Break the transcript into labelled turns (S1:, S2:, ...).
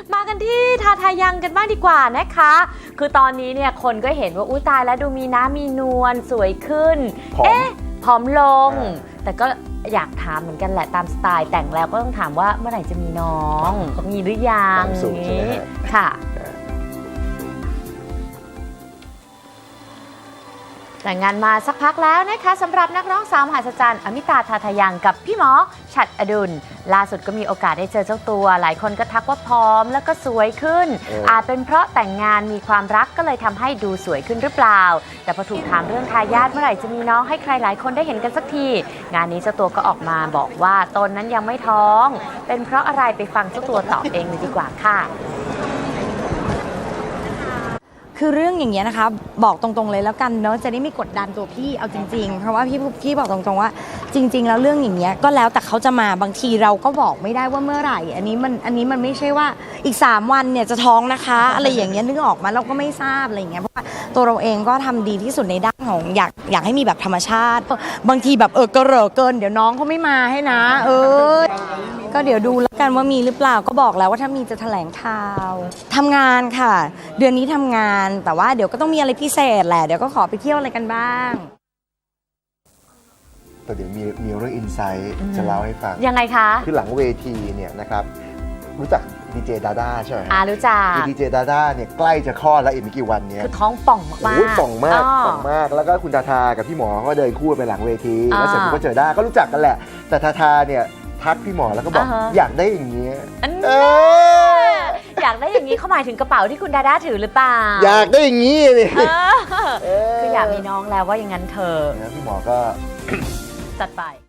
S1: มากันที่ทาทายังกันบ้างดีกว่านะคะคือตอนนี้เนี่ยคนก็เห็นว่าอุ้ยตายแล้วดูมีน้ำมีนวลสวยขึ้นผอมลงแต่ก็อยากถามเหมือนกันแหละตามสไตล์แต่งแล้วก็ต้องถามว่าเมื่อไหร่จะมีน้องมีหรือยังนี้ค่ะแต่งงานมาสักพักแล้วนะคะสำหรับนักร้องสาวมหัศจรรย์อมิตาทาทายังกับพี่หมอฉัตรอดุลล่าสุดก็มีโอกาสได้เจอเจ้าตัวหลายคนก็ทักว่าพร้อมแล้วก็สวยขึ้นอาจเป็นเพราะแต่งงานมีความรักก็เลยทำให้ดูสวยขึ้นหรือเปล่าแต่พอถูกถามเรื่องทายาทเมื่อไหร่จะมีน้องให้ใครหลายคนได้เห็นกันสักทีงานนี้เจ้าตัวก็ออกมาบอกว่าตนนั้นยังไม่ท้องเป็นเพราะอะไรไปฟังเจ้าตัวตอบเองเลยดีกว่าค่ะ
S2: คือเรื่องอย่างเงี้ยนะคะบอกตรงๆเลยแล้วกันเนาะจะได้ไม่กดดันตัวพี่เอาจริงๆเพราะว่าพี่บอกตรงๆว่าจริงๆแล้วเรื่องอย่างเงี้ยก็แล้วแต่เขาจะมาบางทีเราก็บอกไม่ได้ว่าเมื่อไหร่อันนี้มันไม่ใช่ว่าอีก3วันเนี่ยจะท้องนะคะอะไรอย่างเงี้ยนึกออกมาเราก็ไม่ทราบอะไรอย่างเงี้ยเพราะว่าตัวเราเองก็ทำดีที่สุดในด้านของอยากให้มีแบบธรรมชาติบางทีแบบกระเหร่อเกินเดี๋ยวน้องเขาไม่มาให้นะก็เดี๋ยวดูแล้วกันว่ามีหรือเปล่าก็บอกแล้วว่าถ้ามีจะแถลงข่าวทำงานค่ะเดือนนี้ทำงานแต่ว่าเดี๋ยวก็ต้องมีอะไรพิเศษแหละเดี๋ยวก็ขอไปเที่ยวอะไรกันบ้าง
S3: แต่เดี๋ยวมีเรื่องอินไซต์จะเล่าให้ฟัง
S1: ยังไงคะ
S3: คือหลังเวทีเนี่ยนะครับรู้จักดีเจดาด้าใช่ไหม
S1: รู้จัก
S3: ดีเจดาด้าเนี่ยใกล้จะคลอดแล้วอีกไม่กี่วันเนี้ย
S1: คือท้องป่องมาก
S3: ป่องมากแล้วก็คุณทาทากับพี่หมอก็เดินคู่ไปหลังเวทีแล้วเสร็จก็เจอด้าก็รู้จักกันแหละแต่ทาทาเนี่ยทักพี่หมอแล้วก็บอกอยากได้อย่างนี้
S1: อยากได้อย่างนี้เขาหมายถึงกระเป๋าที่คุณดาด้าถือหรือเปล่า
S3: อยากได้อย่างนี้เลย
S1: คืออยากมีน้องแล้วว่าอย่างนั้นเธอ
S3: พี่หมอก็
S1: จัดไป